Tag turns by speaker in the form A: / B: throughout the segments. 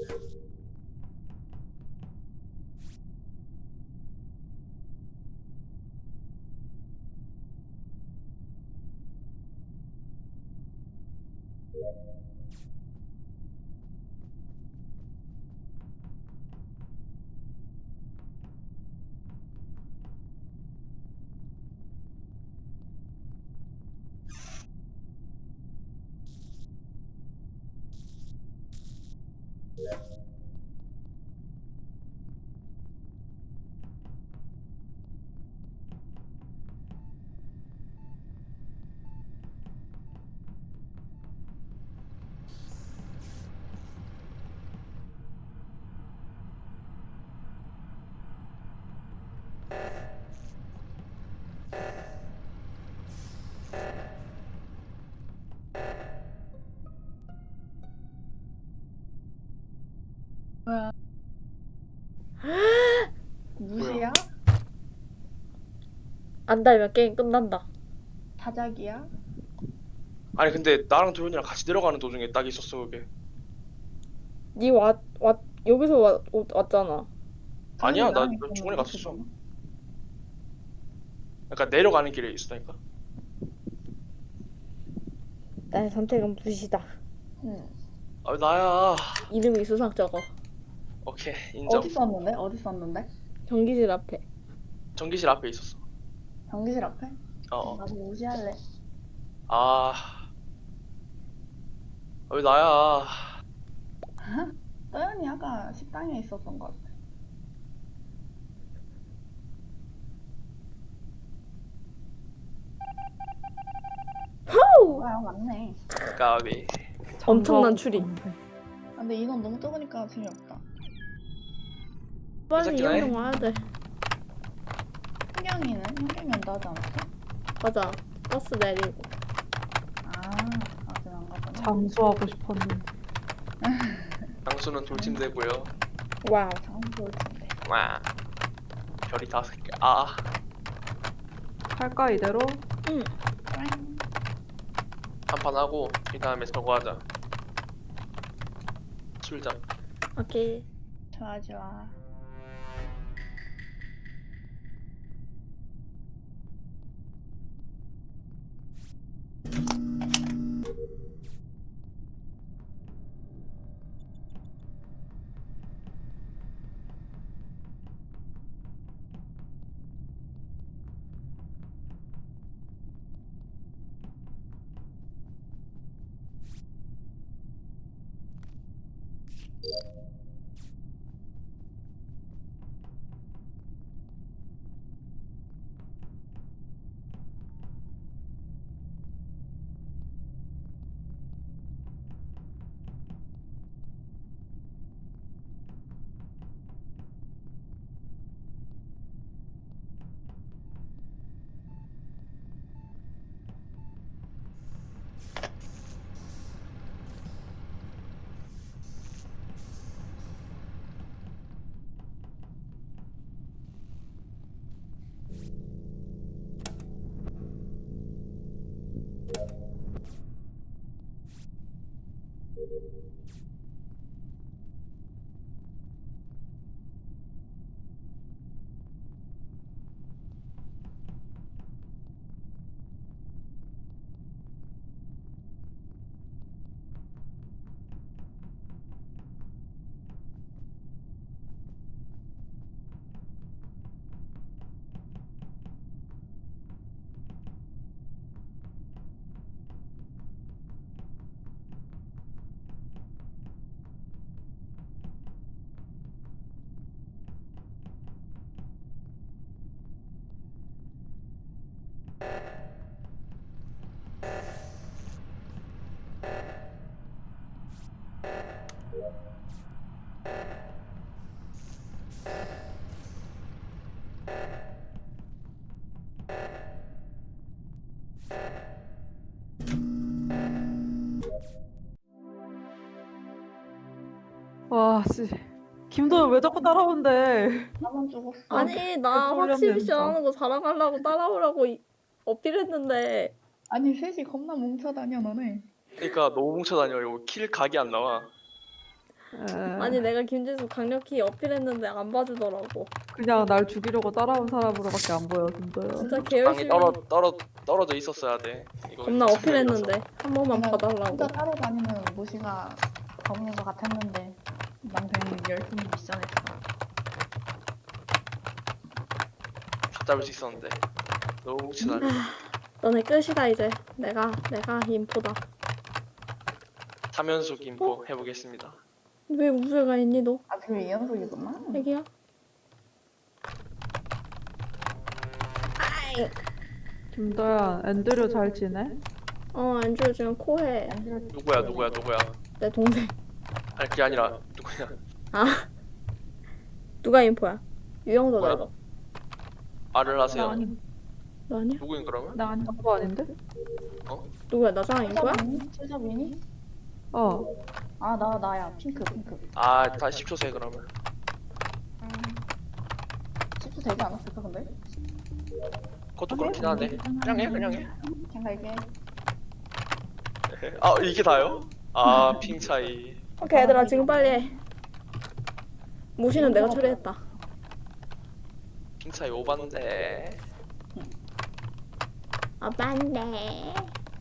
A: 뭐야? 무시야?
B: 안 달면 게임 끝난다.
A: 자작이야?
C: 아니 근데 나랑 도현이랑 같이 내려가는 도중에 딱 있었어 그게.
B: 여기서 왔잖아.
C: 아니야, 나
A: 나랑
C: 중간에
A: 있었는데,
C: 갔었어.
A: 그거는?
C: 그러니까 내려가는 길에 있었다니까.
B: 나의 선택은 무시다.
A: 응.
C: 아 나야.
B: 이름이 수상 적어.
C: 오케이 인정.
A: 어디 썼는데? 어디 썼는데?
B: 전기실 앞에.
C: 전기실 앞에 있었어.
A: 전기실 앞에?
C: 어.
A: 나도 무시할래.
C: 아. 왜 나야?
A: 떠연이 아까 식당에 있었던 것 같아. 뭐야, 맞네.
C: 까비.
B: 엄청난 추리.
A: 아, 근데 인원 너무 적으니까 재미없다.
B: 빨리
C: 괜찮긴 해.
B: 이현동 와야 돼.
A: 현경이는? 현경이 온다 하지 않았어?
B: 맞아. 버스 내리고.
A: 아직 안 갔구나.
D: 장수하고 싶었는데.
C: 장수는 돌팀 되고요.
B: 와우.
A: 장수 올 텐데.
C: 와. 별이 5개. 아.
D: 할까 이대로?
B: 응.
A: 땡.
C: 한판 하고 이 다음에 저거 하자. 술장.
B: 오케이.
A: 좋아, 좋아.
D: 와, 씨. 김도현 왜 자꾸 따라온대?
A: 나만 죽었어.
B: 아니 나
D: 개꿀렸네,
B: 확실히
D: 진짜.
B: 시원하는 거 자랑하려고 따라오라고 어필했는데.
A: 아니, 셋이 겁나 뭉쳐다녀, 너네.
C: 그러니까 너무 뭉쳐 다녀. 이거 킬 각이 안 나와.
B: 아니 내가 김진수 강력히 어필했는데 안 봐주더라고.
D: 그냥 날 죽이려고 따라온 사람으로밖에 안 보여, 김도현.
B: 진짜
C: 방이
B: 개열심히
C: 떨어져 있었어야 돼. 이거
B: 겁나
C: 참
B: 어필했는데 한 번만
A: 그냥
B: 봐달라고.
A: 혼자 따로 다니는 무시가 범인인 것 같았는데 난 괜히 열심히 미션했어.
C: 다 잡을 수 있었는데 너무 뭉치다니.
B: 너네 끝이다 이제. 내가 인포다.
C: 삼연속 인포 해보겠습니다.
B: 왜 우주가 있니 너?
A: 아 그게 이연속이구나.
B: 애기야? 아이.
D: 김도현, 앤드류 잘 지내?
B: 안주 지금 코해.
C: 누구야?
B: 내 동생.
C: 아니 그게 아니라 누구냐?
B: 아. 누가 인포야? 유영도다
C: 뭐야?
B: 이거.
C: 말을
D: 나
C: 하세요.
D: 아니,
B: 너 아니야?
C: 누구인 그러면?
D: 나 아니, 그거 아닌데?
B: 누구야? 나잖아 인포야?
A: 최저민이?
D: 어.
A: 아 나야 핑크.
C: 아 다시 10초 세 그러면.
A: 10초 되지 않았을까 근데?
C: 그것도 그렇긴 하네. 그냥 해.
A: 생각해.
C: 아 이게 다요? 아 핑 차이.
B: 오케이 얘들아 지금 빨리 해. 무시는 내가 처리했다.
C: 핑 차이 오반데.
B: 맞네.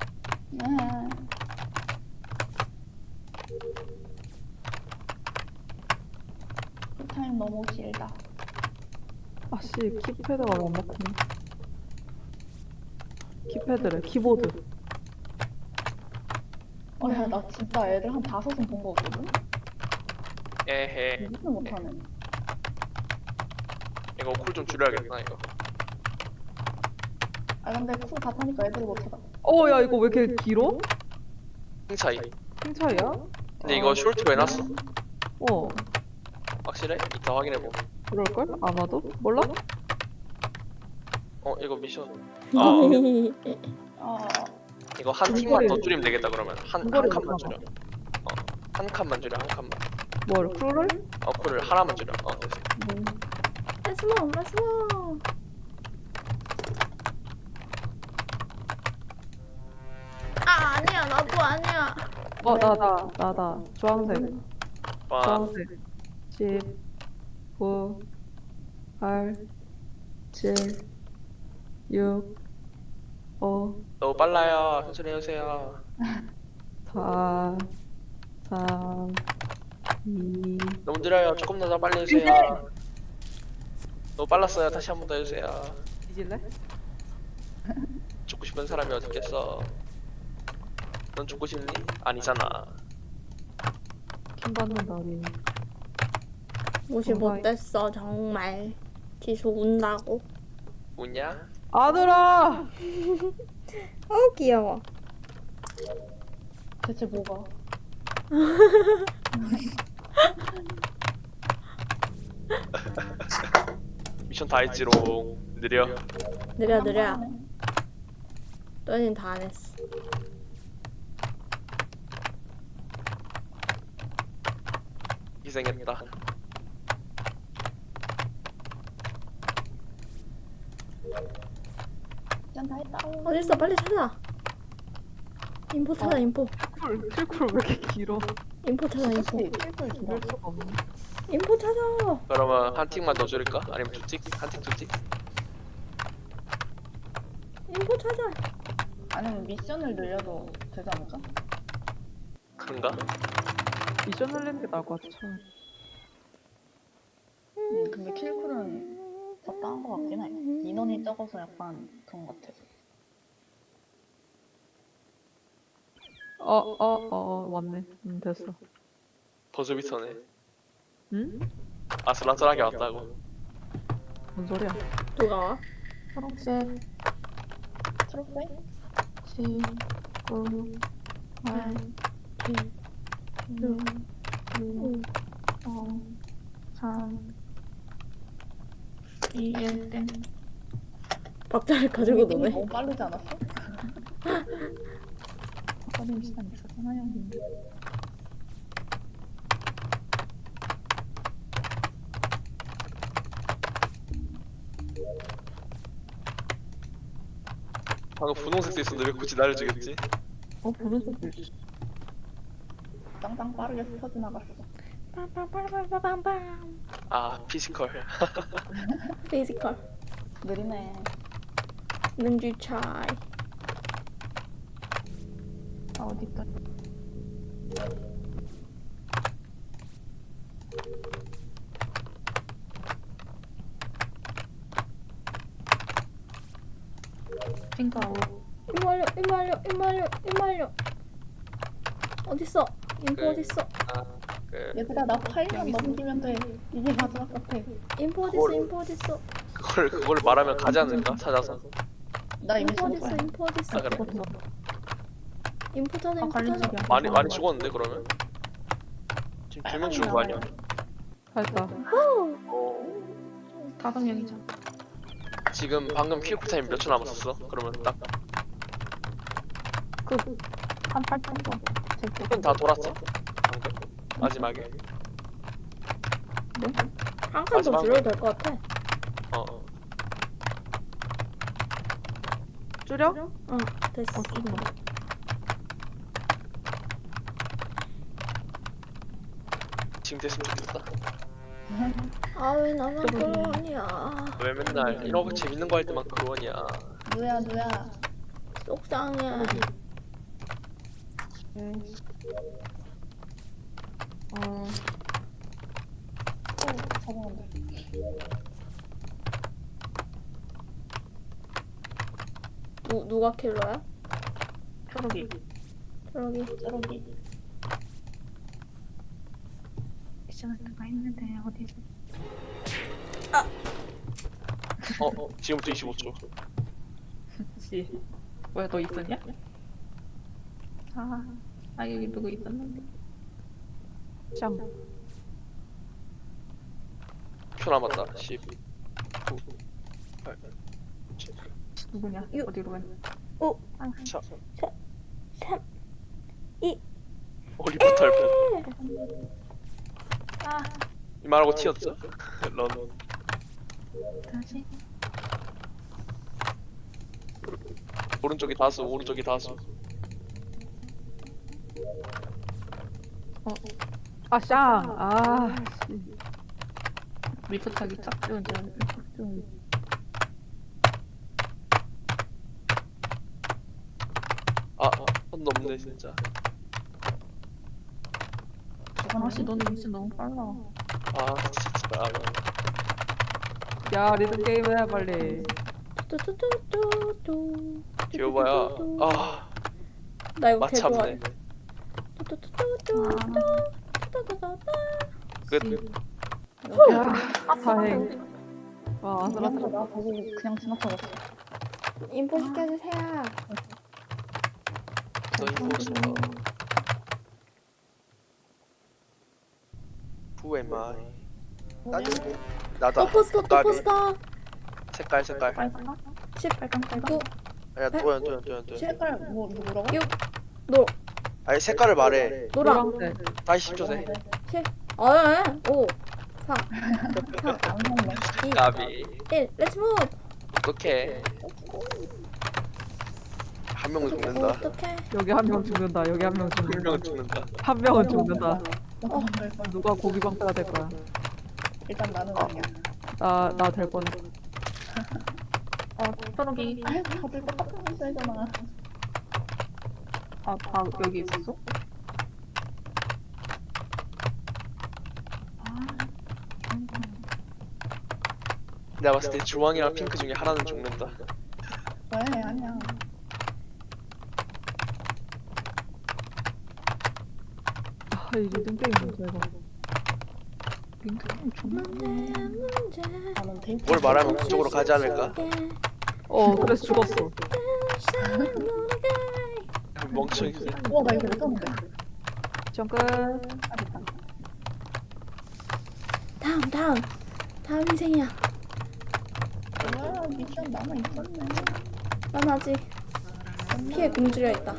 A: 타임 너무 길다.
D: 아씨, 키패드가 못 먹히네. 키패드래, 키보드.
A: 야, 나 진짜 애들 한 5은 본 거거든?
C: 에헤.
A: 무슨 못하네.
C: 이거 쿨 좀 줄여야겠다 이거.
A: 아, 근데 쿨 다 타니까 애들이 못하다.
D: 야, 이거 왜 이렇게 길어?
C: 핑 차이.
D: 핑 차이야?
C: 근데 이거 숄트로 해놨어?
D: 어,
C: 확실해? 이따 확인해보.
D: 그럴걸? 아마도? 몰라?
C: 이거 미션.
A: 아,
C: 이거 한 팀만 더 줄이면 되겠다 그러면. 한
D: 이거를
C: 칸만
D: 봐봐.
C: 줄여. 한 칸만 줄여 한 칸만.
D: 뭘, 쿨을?
C: 쿨을 하나만 줄여. 됐어.
B: 렛츠고. 아니야 나도 아니야.
D: 나다. 주황색.
C: 와.
D: 주황색. 10, 9, 8, 7, 6, 5,
C: 너무 빨라요. 천천히 해주세요.
D: 4, 3, 2,
C: 너무 느려요. 조금 더 빨리 해주세요. 너무 빨랐어요. 다시 한 번 더 해주세요.
D: 뒤질래?
C: 죽고 싶은 사람이 어디 있겠어? 넌 죽고 싶니? 아니잖아.
D: 킴 받는다, 우리.
B: 무시
D: 뭔가
B: 못됐어 정말. 지수 운다고.
C: 뭐냐?
D: 아들아!
B: 귀여워.
A: 대체 뭐가?
C: 미션 다 했지롱. 느려.
B: 느려. 너희는 다 안 했어.
C: 희생했다.
A: 짠, 다 했다.
B: 어딨어 빨리 찾아. 인포 찾아 인포.
D: 킬쿨 왜 이렇게 길어?
B: 인포 찾아 인포.
A: 혹시 필풀
D: 이럴
A: 주나?
D: 수가 없네.
B: 인포 찾아.
C: 그러면 한 팀만 더 줄일까? 아니면 두 팀? 한 팀, 두 팀?
B: 인포 찾아.
A: 아니면 미션을 늘려도 되지 않을까?
C: 그런가?
D: 미션 늘리는 게 나을 것 같아.
A: 근데 킬쿨은 적당한 것 같긴 해. 인원이 적어서 약간 그런 것 같아.
D: 왔네. 됐어.
C: 버즈비터네.
D: 응?
C: 아슬아슬하게 왔다고.
D: 뭔 소리야?
B: 누가 와?
A: 초록색. 초록색?
D: 10, 9, 8,
B: 7, 6, 5.
A: 3, 2, 1, 땡.
B: 박자를 가지고 노네.
A: 너무 빠르지 않았어? 빠른 시간 있었잖아요.
C: 방금 분홍색 돼 있었는데 왜 굳이 나를 죽였지?
D: 분홍색도 있어.
A: 땅땅 빠르게 스쳐 지나갔어.
B: 빰빰빰빰빰빰.
C: 아 피지컬.
B: 피지컬.
A: 느리네.
B: 능주 차이.
A: 아 어디 있다. 핑크 아웃.
B: 이말려. 어딨어? 인포
C: 그-
B: 어딨어?
C: 그
A: 얘들아 나 8년 넘기면 돼. 이게 마지막 같아.
B: 인포
C: 그걸-
B: 어딨어?
C: 그걸 말하면 가지 않을까 찾아서.
A: 나 이미
B: 인포
A: 죽었어.
B: 어딨어?
C: 아, 그래?
B: 인포 찾아.
A: 갈린 집이야.
C: 많이 죽었는데 그러면? 지금 2명 죽은 거 아니야?
D: 됐다.
C: 어.
A: 5명이잖아.
C: 지금 방금 킬쿨 타임 몇 초 남았었어? 그러면 딱
A: 한 8천
C: 킬은 다 돌았어? 방금? 마지막에?
B: 한 칸 더
C: 마지막
B: 줄여도 될 것 같아.
C: 어.
D: 줄여?
B: 응, 됐어.
C: 지금 됐으면 좋겠다.
B: 아, 왜 나만 그러냐.
C: 왜 맨날 이런 거 재밌는 거 할 때만 그러냐.
A: 누야.
B: 속상해.
A: 잡아간다.
B: 누가 킬러야?
A: 초록이.
B: 저기.
A: 미션을 누가 했는데 어디 있어?
C: 지금부터 25초.
A: 씨. 뭐야 너 있었냐? 아 여기 누구 있었는데.
D: 짱.
C: 표 남았다. 10, 9, 8, 7,
A: 누구냐?
B: 유-
A: 어디로 갔냐?
B: 5,
C: 4.
B: 3, 2.
C: 리포트 할 뻔.
A: 아
C: 이 말하고 튀었어? 런.
A: 다시.
C: 오른쪽이 다수.
D: 아, 짱. 아, 씨.
A: 리포트하기 딱 좋은 줄.
C: 손 넘네 진짜.
A: 아씨 너는 미션 너무 빨라.
C: 진짜.
D: 야, 리듬 게임 해, 빨리.
B: 뚜뚜뚜뚜뚜.
C: 귀여워야.
B: 나 이거 개 좋아해.
C: 마참네. 끝.
D: 다행. 와, 아슬아슬.
A: 나 보고 그냥 지나쳐갔어.
B: 인포 시켜주세요.
C: 너 임포스터. Who am I? 나다.
B: 또
C: 나비.
B: 포스터.
C: 색깔.
A: 빨강?
B: 10,
A: 빨강.
B: 9,
C: 아니야 도연.
A: 색깔 뭐라고?
B: 6, 노,
C: 아니 색깔을 말해.
B: 노랑.
D: 노란색.
C: 다시 10초 세.
B: 7, 5, 4, 3,
A: 안 먹네.
B: 2,
C: 나비.
B: 1. 렛츠 무브.
C: 어떡해. 한 명은 죽는다.
B: 어떡해.
D: 여기 한 명 죽는다. 여기 한 명
C: 한
D: 죽는다.
C: 명은 죽는다.
D: 한 명은 죽는다.
A: 될 거야.
D: 누가 고기 방패가 될 거야.
A: 일단 나는 아니야.
D: 나 될 뻔.
A: 초록이. 다들 똑같은 문제잖아. 다 여기 있었어?
C: 내가 봤을 때 주황이랑 핑크 중에 하나는 죽는다.
A: 왜? 아니야.
D: 아, 이 리듬 게임 뭐야, 이거.
A: 핑크는 존나.
B: 문제.
A: 나는 데이트.
C: 뭘 말하면 그쪽으로 가지 않을까?
D: 그래서 죽었어.
C: 멍청이.
A: 우와 나 이거 왜 떴는데?
D: 시험 끝.
A: 아 됐다.
B: 다음 인생이야.
A: 와 미션 남아 있었네.
B: 난 아직 피해 굶주려 있다.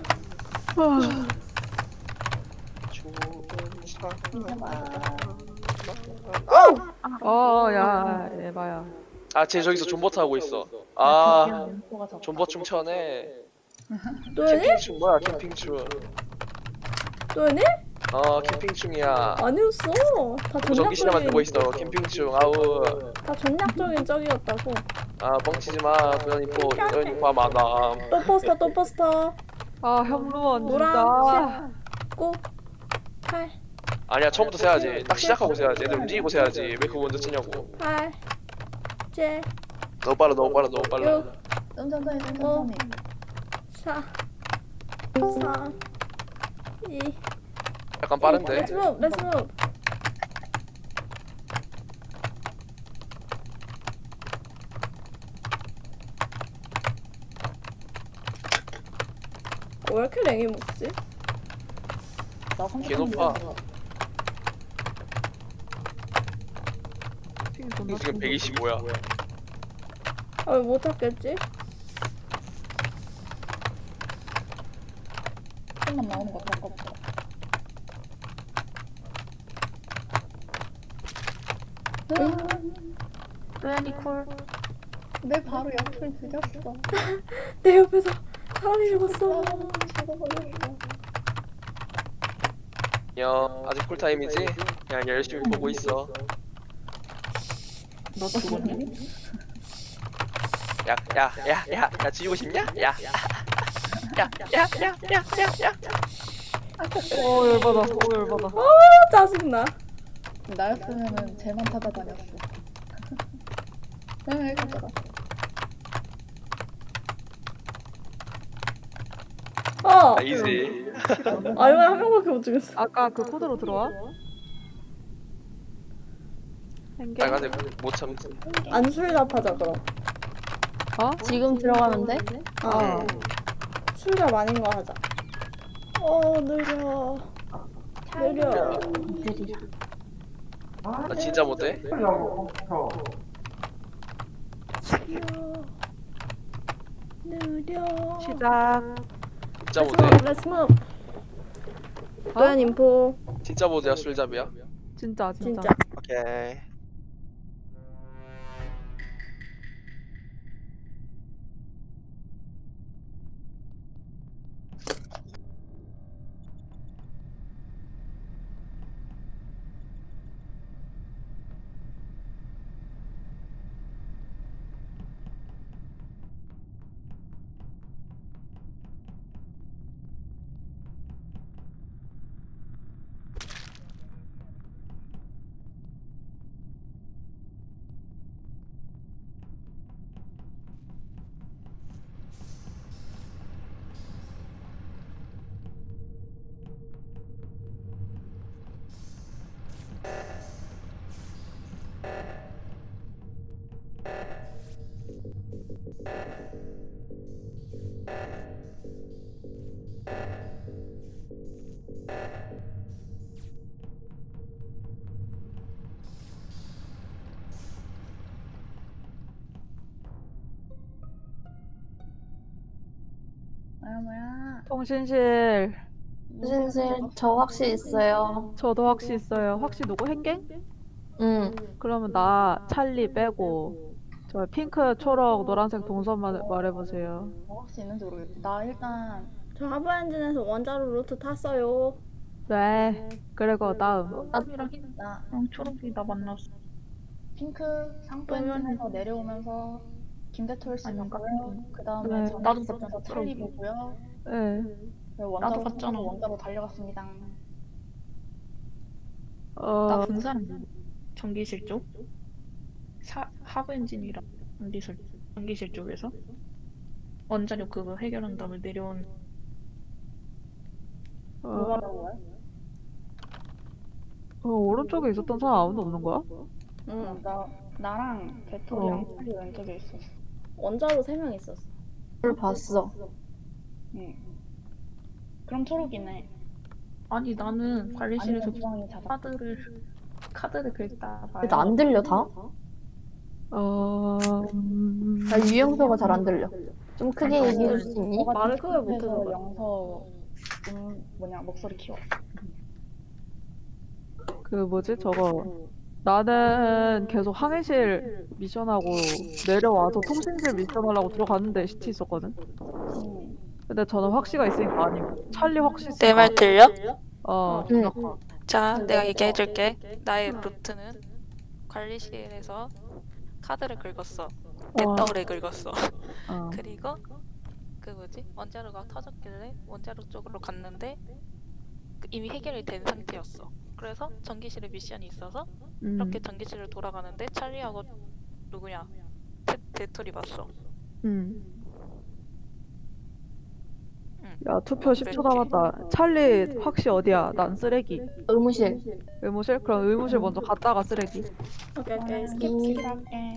A: 이제 봐.
D: 야, 에바야.
C: 쟤 저기서 존버트 하고 있어. 존버춤 춰네.
B: 또 얘네?
C: 캠핑춤 뭐야 캠핑춤.
B: 또 얘네?
C: 캠핑 중이야.
B: 아니었어. 다
C: 무전기 신나만 보고
B: 전략적인
C: 있어. 캠핑 중. 아우.
B: 다 전략적인 적이었다고.
C: 뻥치지 마. 도연이포 많아.
B: 또 포스터.
D: 아 현무원
B: 노랑
D: 진짜.
B: 9 8
C: 아니야, 처음부터 세야지. 딱 시작하고 세야지. 애들 움직이고 세야지. 왜 그거 먼저 치냐고.
B: 8 7
C: 너무 빨라, 너무 빨라, 너무 빨라.
B: 6
A: 천천히 천천히.
B: 4 3 2
C: 약간 빠른데.
B: 렛츠 무브 렛츠 무브. 왜 이렇게 랭이 먹지?
A: 나
C: 개 높아. 지금 125야.
B: 아 왜 못 찾겠지?
A: 손만 나오는 거 아깝다.
E: 또연이 콜.
A: 내 바로 옆을 죽였어.
B: 내 옆에서 사람이 죽었어.
A: 죽어버렸어.
C: 야, 아직 쿨타임이지? 그냥 열심히 보고 있어.
E: 너 죽었니?
C: 야, 지우고 싶냐? 야.
D: 열받아. 열받아.
B: 짜증나.
A: 나였으면은 쟤만 찾아다녔어. 응, 가져가.
C: 이지.
B: 아 이번에 한 명밖에 못 죽였어.
D: 아까 그 코드로 들어와? 행개?
C: 빨간색 못 참지.
B: 안술잡하자 그럼.
D: 어?
E: 지금 들어가면 돼?
B: 아 술잡 아닌 거 하자. 느려. 느려.
C: 나 진짜 못해.
B: 느려.
D: 시작.
C: 진짜 못해.
B: Let's move. 도현 인포.
C: 진짜 못해야 술잡이야.
D: 진짜.
B: 진짜.
C: 오케이.
A: 뭐야.
D: 통신실.
E: 신실 저 확실히 있어요.
D: 저도 확시 있어요. 확시 누구? 행갱?
E: 응.
D: 그러면 나 찰리 빼고 저 핑크, 초록, 노란색 동선만 말해보세요.
A: 혹시 있는지 모르겠어. 나 일단
B: 저 하부 엔진에서 원자로 루트 탔어요.
D: 네. 그리고 다음.
A: 나
E: 초록이 나 만났어.
A: 핑크 상부엔진에서 내려오면서 김대톨 씨
E: 아닌가?
A: 보고요. 그 다음에
D: 네.
A: 저는
E: 나도
A: 있었면서
E: 봤어.
A: 찰리 보고요.
D: 네.
A: 그리고
E: 나도
A: 원자로
E: 봤잖아.
A: 원자로 달려갔습니다.
E: 나 분산 전기실 쪽? 하부 엔진이랑 전기실 쪽에서 원자력 그거 해결한 다음에 내려온.
A: 뭐가 나와요?
D: 오른쪽에 있었던 사람 아무도 없는 거야?
B: 응.
A: 나랑 대톨이랑 찰리 왼쪽에 있었어.
B: 원자로 3명 있었어.
E: 를 봤어.
A: 응. 그럼 초록이네.
E: 아니 나는 관리실에서
A: 아니면 주황이 찾아.
E: 카드를 긁다가
F: 근데 안 들려 다? 나 유영서가 잘 안 들려. 좀 크게
E: 아니,
F: 얘기해 줄 수 있니?
B: 말을 크게 못해서
A: 그래서
B: 그래.
A: 영서 목소리 키워.
D: 그 뭐지? 저거 나는 계속 항해실 미션하고 내려와서 통신실 미션하려고 들어갔는데 시티 있었거든. 근데 저는 확시가 있으니까 아니고 찰리 확시
G: 내 말 들려?
F: 응.
G: 자, 내가 얘기해줄게. 나의 루트는 관리실에서 카드를 긁었어. 내
D: 어.
G: 떡을 긁었어.
D: 어.
G: 그리고 그 뭐지? 원자로가 터졌길래 원자로 쪽으로 갔는데 이미 해결이 된 상태였어. 그래서 전기실에 미션이 있어서 이렇게 전기실을 돌아가는데 찰리하고 누구냐? 대토리 봤어.
D: 응.
G: 응.
D: 야, 투표 10초 남았다. 찰리 확시 어디야? 난 쓰레기.
F: 의무실.
D: 의무실? 그럼 의무실 먼저 갔다가 쓰레기.
B: 오케이 오케이 스킵
A: 음.
B: 스킵.
A: 할게.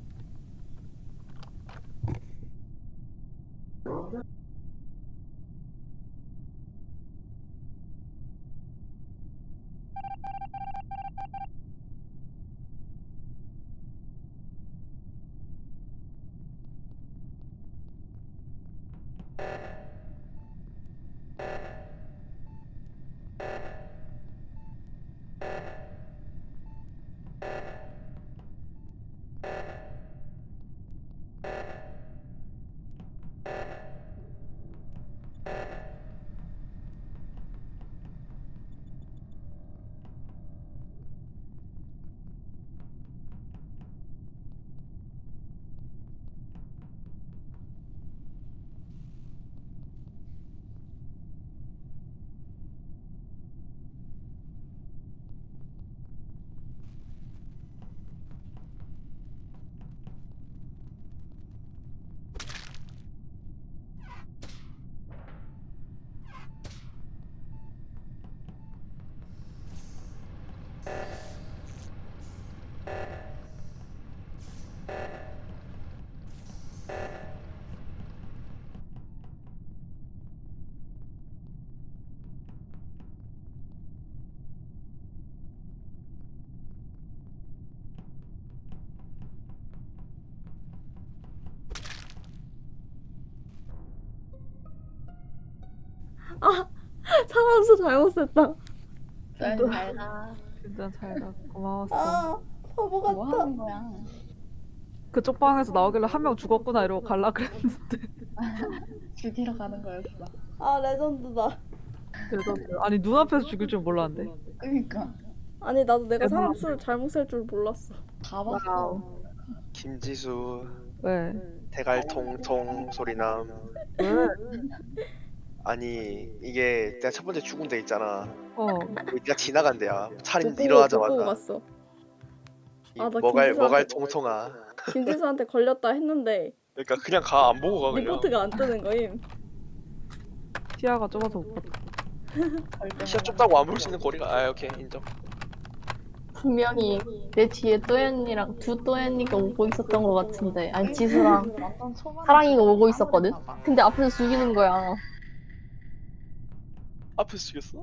B: 상황수 잘못 썼다.
A: 잘 가.
D: 진짜 잘가. 고마웠어.
B: 아 바보
A: 뭐
B: 같다.
A: 하는 거야?
D: 그쪽 방에서 나오길래 한 명 죽었구나 이러고 갈라 그랬는데.
A: 죽이러 가는 거였어.
B: 아 레전드다.
D: 그래서 아니 눈앞에서 죽일 줄 몰랐는데.
A: 그니까
B: 아니 나도 내가 사람 수를 잘못 셀 줄 몰랐어.
A: 다 봤어.
C: 김지수
D: 왜?
C: 대갈 통통 소리남.
D: 왜?
C: 아니 이게 내가 첫 번째 죽은 데 있잖아.
D: 어.
C: 네가 지나간 데야. 차림
B: 못 보고
C: 일어나자마자.
B: 갔어.
C: 이
B: 아, 나
C: 뭐갈
B: 김지수한테-
C: 통통아.
B: 김지수한테 걸렸다 했는데
C: 그러니까 그냥 가 안 보고 가 그냥.
B: 리포트가 안 뜨는 거임.
D: 시야가 좁아서 못 봤다.
C: 시야 좁다고 안 볼 수 있는 거리가. 아 오케이 인정.
F: 분명히 내 뒤에 또연이랑 두 또연이가 오고 있었던 것 같은데. 아니, 지수랑
A: 완전 초반에
F: 사랑이가 오고 있었거든?
A: 싸우려나 봐.
F: 근데 앞에서 죽이는 거야.
C: 앞에서 죽였어?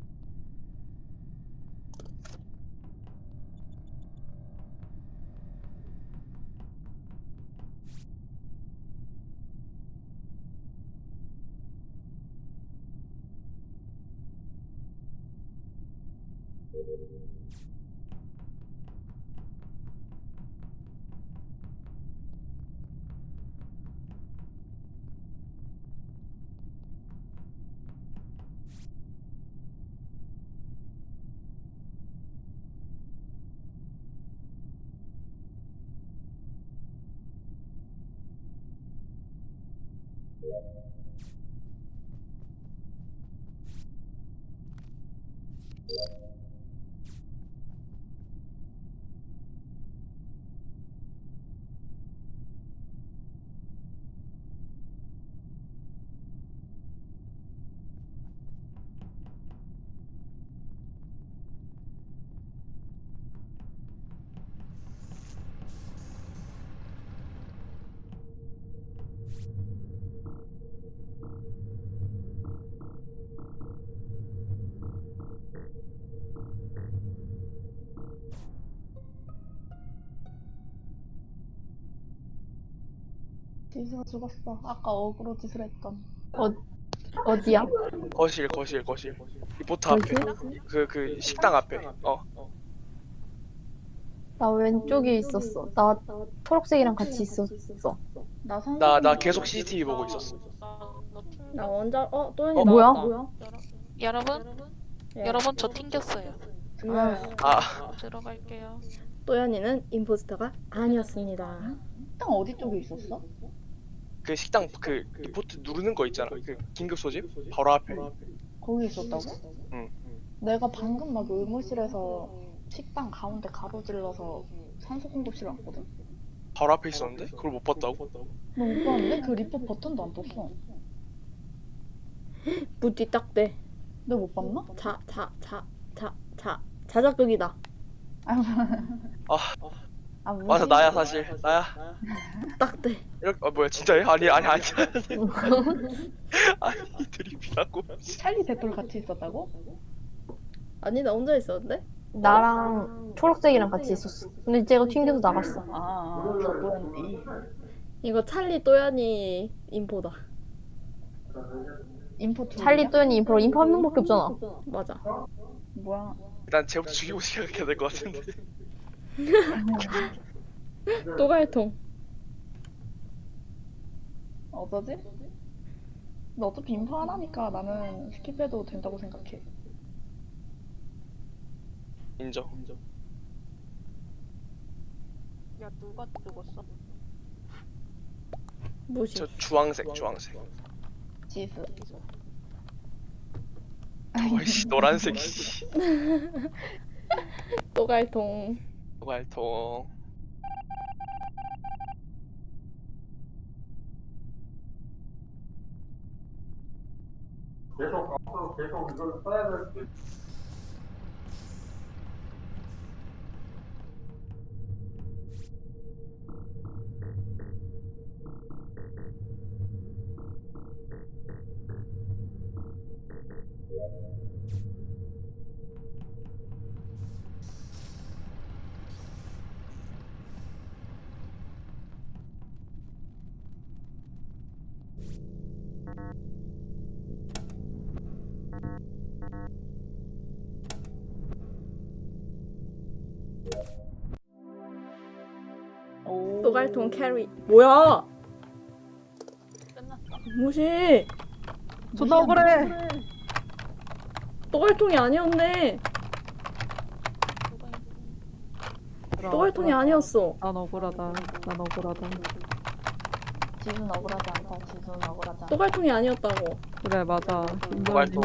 A: 지수가 죽었어. 아까 어그로 짓을 했던.
F: 어디야?
C: 거실. 리포트 앞에. 그 식당 앞에.
F: 나 왼쪽에 있었어. 나 초록색이랑 같이 있었어.
C: 나 계속 CCTV 보고 있었어.
B: 나 원자 또연이
F: 뭐야?
B: 나왔다.
G: 여러분, 여러분 저 튕겼어요.
C: 아,
G: 들어갈게요.
B: 또연이는 임포스터가 아니었습니다.
A: 식당 어디 쪽에 있었어?
C: 그 식당 그 리포트 누르는 거 있잖아. 그 긴급 소집 바로 앞에.
A: 거기 있었다고?
C: 응.
A: 내가 방금 막 의무실에서 식당 가운데 가로질러서 산소 공급실 왔거든?
C: 바로 앞에 있었는데 그걸 못 봤다고?
A: 너 못 봤는데? 그 리포트 버튼도 안 떴어.
B: 무띠 딱대.
A: 너 못 봤나?
B: 자작극이다.
A: 아,
C: 맞아, 나야 사실 나야.
B: 딱대.
C: 이렇게 뭐야 진짜요? 아니 아니 드립이라고.
A: 찰리 대톨 같이 있었다고?
B: 아니 나 혼자 있었는데?
F: 나랑 초록색이랑 같이 있었어. 근데 쟤가 튕겨서 나갔어.
A: 저번이
B: 이거 찰리 또연이 인포다.
A: 인포
F: 찰리 또연이 인포 한 명밖에 없잖아.
B: 맞아.
A: 뭐야?
C: 일단 쟤부터 죽이고 시작해야 될 것 같은데.
B: 또갈통.
A: 어쩌지? 너 어차피 인포 하나니까 나는 스킵해도 된다고 생각해.
C: 인정.
G: 야 누가 죽었어?
B: 무시.
C: 저 주황색.
A: 지수.
C: 어이씨 노란색. 씨.
B: 또갈통.
C: 말통.
A: 오.
B: 또갈통 캐리. 뭐야?
G: 끝났어.
B: 무시.
D: 존나 억울해.
B: 또갈통이 아니었네. 또갈통이 아니었어.
D: 난 억울하다.
A: 지수는 억울하지 않다. 지수는 억울하지 않다.
B: 또갈통이 아니었다고.
D: 그래 맞아.
C: 말통.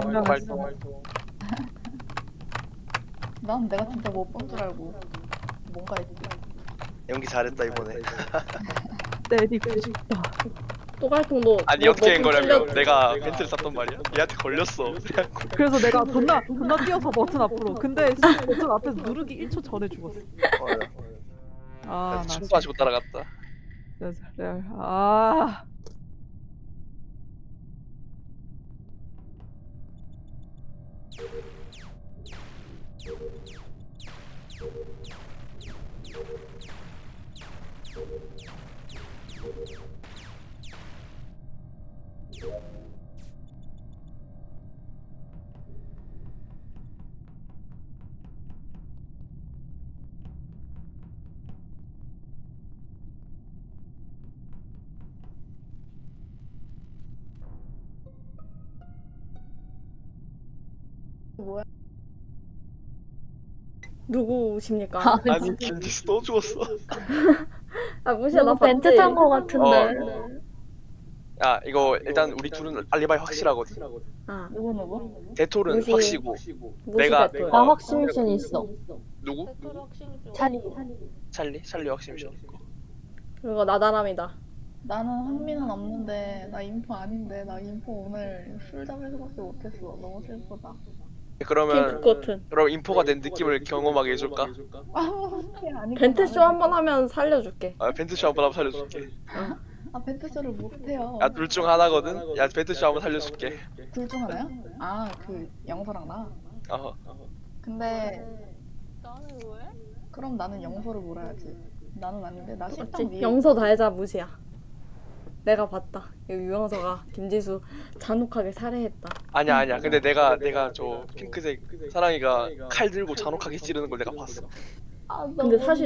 A: 난 내가 진짜 못 본 줄 알고 뭔가 했지.
C: 연기 잘했다 이번에.
D: 때리고 싶다.
B: 또갈통도.
C: 아니 어떻게 한 거냐면 내가 벤트를 쐈단 말이야. 얘한테 걸렸어.
D: 그래서 내가 존나 뛰어서 버튼 앞으로. 근데 버튼 앞에서 누르기 1초 전에 죽었어. 아, 나
C: 춤 가지고 따라갔다.
D: 진짜 레알. 아.
B: 누구십니까?
C: 아니 김지수 또 죽었어.
B: 아 무시야 나
F: 누구 벤트
B: 봤지.
F: 탄 거 같은데.
C: 야 이거 일단 우리 둘은 알리바이 확실하거든.
B: 아
A: 누구?
C: 대톨은
B: 무시.
C: 확시고.
B: 무시
C: 내가-
B: 배틀.
F: 나 확신이 있어.
C: 누구?
G: 대토를 확실히 좀.
C: 찰리 확실히 있고.
B: 그리고 나다람이다.
A: 나는 흥미는 없는데 나 인포 아닌데 나 인포 오늘 술담에서밖에 못했어. 너무 슬프다.
C: 그러면
B: 핑크 코튼.
C: 그럼 인포가 된 느낌을 경험하게 해줄까?
A: 아니
B: 벤트쇼 한 번 하면 살려줄게.
C: 아 벤트쇼 한번 살려줄게.
A: 아 벤트쇼를 못해요.
C: 야 둘 중 하나거든. 야 벤트쇼 한번 살려줄게.
A: 둘 중 하나야? 아 그 영서랑 나.
C: 어.
A: 근데
G: 나는 왜?
A: 그럼 나는 영서를 몰아야지. 나는 아닌데 나 식당
B: 맞지?
A: 위에.
B: 영서 달자 무시야. 내가 봤다. 여기 유영서가 김지수 잔혹하게 살해했다.
C: 아니야. 근데 내가 저 핑크색 사랑이가 칼 들고 잔혹하게 찌르는 걸 내가 봤어.
A: 아,
B: 근데 사실